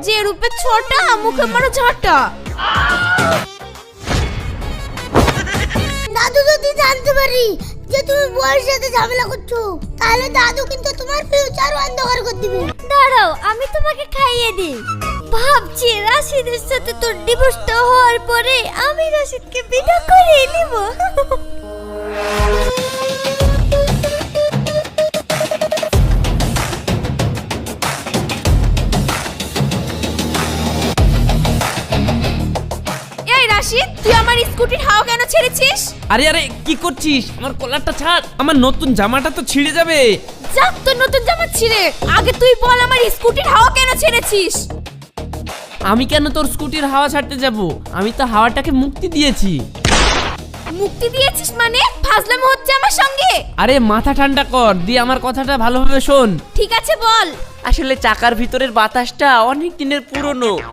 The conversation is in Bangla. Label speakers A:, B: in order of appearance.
A: যে রূপে ছোটা মুখে মারো ঝাঁটা।
B: দাদু যদি জানতে পারি যে তুমি বউয়ের সাথে ঝামেলা করছো, তাহলে দাদু কিন্তু তোমার ফিউচার অন্ধকার করে দিবে।
A: দাঁড়াও আমি তোমাকে খাইয়ে দিই। ভাবছি রাশিদের সাথে তোর ডিভোর্সটা হওয়ার পরে আমি রাশিদকে বিয়ে করে নিব। এই রাশিদ, তুই আমার স্কুটির হাওয়া কেন ছেড়েছিস?
C: আরে আরে কি করছিস? আমার কলারটা ছাড়, আমার নতুন জামাটা তো ছিঁড়ে যাবে।
A: যাক তোর নতুন জামা ছিঁড়ে, আগে তুই বল আমার স্কুটির হাওয়া কেন ছেড়েছিস?
C: আমি কেন তোর স্কুটির হাওয়া ছাড়তে যাব? আমি তো হাওয়াটাকে মুক্তি দিয়েছি।
A: মুক্তি দিয়েছিস মানে? ফাজলামো হচ্ছে আমার সঙ্গে?
C: আরে মাথা ঠান্ডা কর, দিয়ে আমার কথাটা ভালোভাবে শোন।
A: ঠিক আছে বল।
C: আসলে চাকার ভিতরের বাতাসটা অনেক দিনের পুরনো,